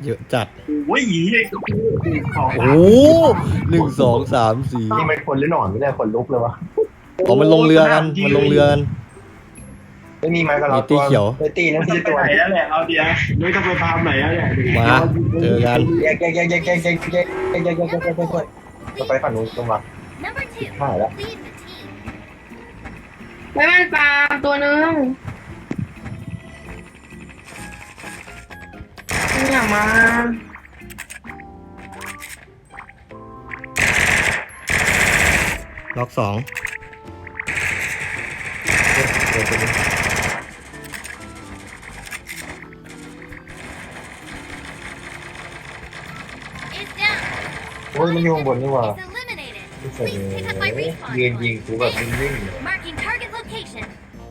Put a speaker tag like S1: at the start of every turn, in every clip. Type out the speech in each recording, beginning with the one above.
S1: เยอะจัด
S2: โอ้ยหยีเลยของ
S1: โอ้1 2 3 4
S3: นี่มันคนหรือหนอนไม่ได้คนลุกเลยวะ
S1: อ๋อมันลงเรือกันมันลงเรือกัน
S3: ไม่มีไม้กับเรา
S1: มีตีเขียว
S3: ไปตีนั่น
S2: จะ
S3: คือ
S2: ไป
S3: ตัว
S2: ไหนแล้วแหละเอาเดียวไม่ต้องไปฟาร์มไหนแล้วแหละ
S1: มาเจอกัน
S3: แยกจะไปฝั่งนู้นตรงหลัง
S4: Number 2, lead
S3: หายแล้ว
S4: the team.
S5: ไม่มันปลาตัวนึงอย่ามา
S1: ล็อก2
S4: Is down.
S3: โอ้ยมันอยู่ข้างบนนี่หว่า
S4: Is eliminated.
S3: ไม่ใช่
S4: Please pick up my respawn.
S3: ยืนยิงกูแบบวิ่งๆเลย
S4: Marking target location.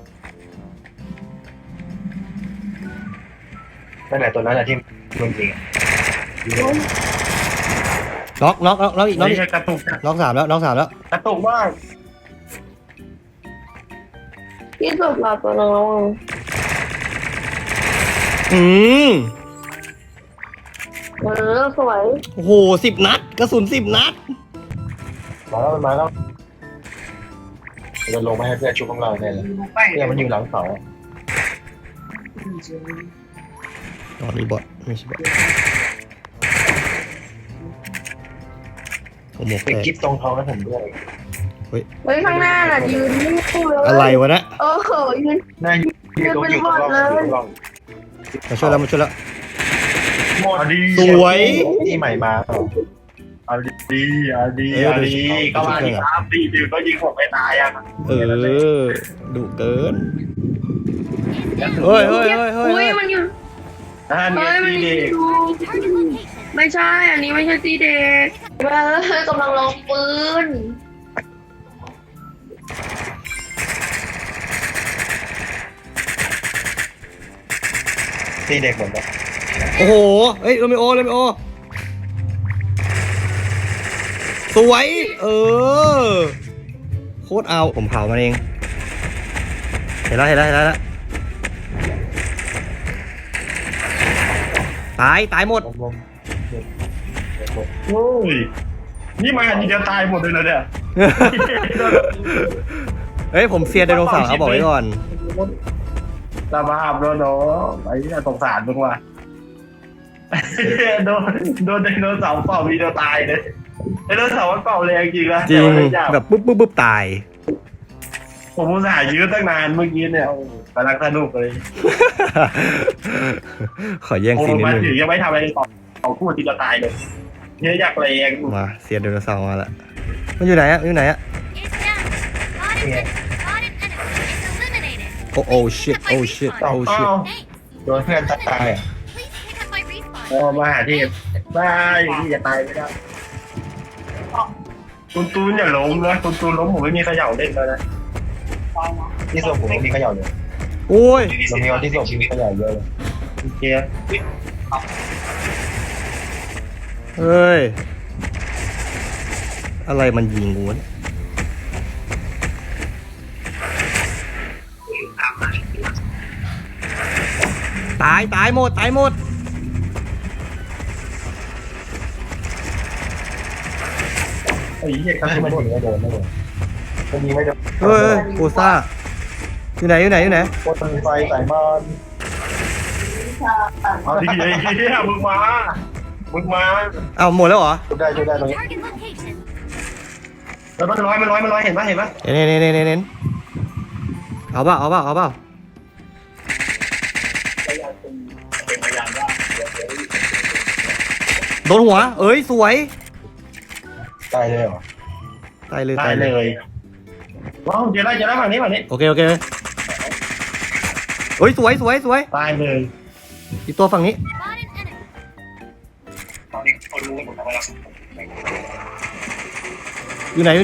S3: นั่นแหละตัวนั้นแหละที่มันยิงอะ
S1: น็อกอีกน็อกอีก
S2: กระตุก
S1: น็อก3แล้วน็อก3แล้ว
S2: กระตุกมาก
S5: ที่สุดปลาตัวนึง
S1: อืม
S5: สวย
S1: โอ้โห10 นัดกระสุน10 นัด
S3: มาแล้วจะลงมาให้เพื่อนชุบของเราเนี่ยเลยเนี่ยมันอยู่หลังเสา
S1: อ๋อนี่บอทไม่ใช่บอทผมหมก
S3: ติด
S1: แตก
S3: กิ๊บตรงท้องให้ผมด้วย
S5: เฮ้ยข้างหน้าน่ะยืนนี่เลย
S1: อะไรวะนะ
S5: โอ้โหยืน
S3: น่าอยู่ตรงร่อง
S1: มาช่วยแล้วมาช่วยแล้ว
S2: เอาดี
S1: สวย
S3: ที่ใหม่มา
S2: เอาดีเอาดีเอาดีก็มาดีครับดีดื่มก็ยิงผมไม่ตายอ่ะ
S1: ดุเกินเฮ้ย
S5: อุ้ยมันอยู่
S2: นั่น
S5: เฮ้ยมัน
S2: ดี
S5: อยู่
S4: Target location.
S5: ไม่ใช่ อันนี้ไม่ใช่ตีเด็กกำลังลองปืน
S3: ตีเด็กเหมือนกัน
S1: โอ้โหเฮ้ยโรเมโอสวยโคตรเอาผมเผามันเองเห็นแล้วตายหมด
S3: ลม
S2: โอ้ยนี่มาทีเดียวตายหมดเลยนะเนี่ย
S1: เฮ้ยผมเซียนไดโนเสาร์เอาบอกไว้ก่อน
S2: สภาพแล้วเนาะไอ้เนี่ยสงสารมึงว่ะโดนไดโนเสาร์เป่าทีเดียวตายเลยไดโนเสาร์มันเป่าแรงจริงนะ
S1: จริง
S2: แต่ว่า
S1: แบบปุ๊บตาย
S2: ผมอุตส่าห์ยื้อตั้งนานเมื่อกี้เนี่ยโอ้กำลังสนุกเลย
S1: ขอแย่ง
S2: โอ้
S1: ซีนนิด
S2: มา
S1: นึง
S2: ถึงยังไม่ทำอะไรต่อเอาคู่ทีเดียวตายเลยเนี่ยอยากแรง
S1: มาเซียนไดโนเสาร์มาละมันอยู่ไหนอะ
S4: Is down. Spotted enemy. Is eliminated.
S1: โอ้ชิต
S2: อ้าว
S4: Thanks.
S3: โดนเพื่อนตายอ่ะ
S4: Please pick up my respawn.
S2: โอ้มาหาที่บ้าอย่างนี้จะตายไม่ได้คุณตูนอย่าล้มนะคุณตูนล้มผมไม่มีเขย่าเล่นแล้วนะ
S3: ที่ศพผมมีเขย่าเลย
S1: โอ้ย
S3: เรามีวันที่ศพมีเขย่าเยอะเลย
S2: โอเค
S1: เฮ้ยอะไรมันยิงกูวะเนี่ยตายหมด
S3: ไอ้เหี้ยก็ที่มันยิงไม่โดนไม่โดนมันยิงไม่โดน
S1: เฮ้ยโคซ่าอยู่ไหน
S3: คนไฟใส่บ้าน
S2: เอาดีไอ้เหี้ยมึงมา
S1: เอาหมดแล้วเหรอ
S3: ช่วยได้ตรงนี้
S4: Target location.
S2: แล้วมันร้อยเห็นปะ
S1: เน้นเอาเปล่าโดนหัวเอ้ยสวย
S3: ตายเลยเหรอ
S1: ตายเลย
S2: ตายเลยว้าวเดี๋ยวได้ฝั่งนี้
S1: โอเคเฮ้ยสวย
S2: ตายเลย
S1: อีกตัวฝั่งนี้
S4: Spotted enemy.
S1: อยู่ไหน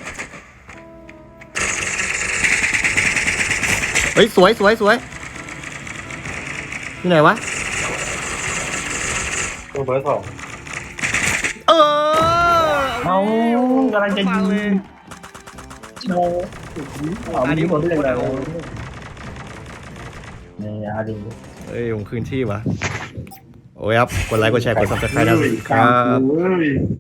S1: เฮ้ยสวยอยู่ไหนวะ
S3: ตัวเบอร์สอง
S2: เอากำลังจะยิง
S1: เลย
S2: โอ้อันนี้หมดเลยนี่อาดี
S1: เอ้ยผมคืนที่วะโอ้ยครับ กดไลค์ กดแชร์ กด subscribe นะค
S2: ครั
S1: รับ
S2: บ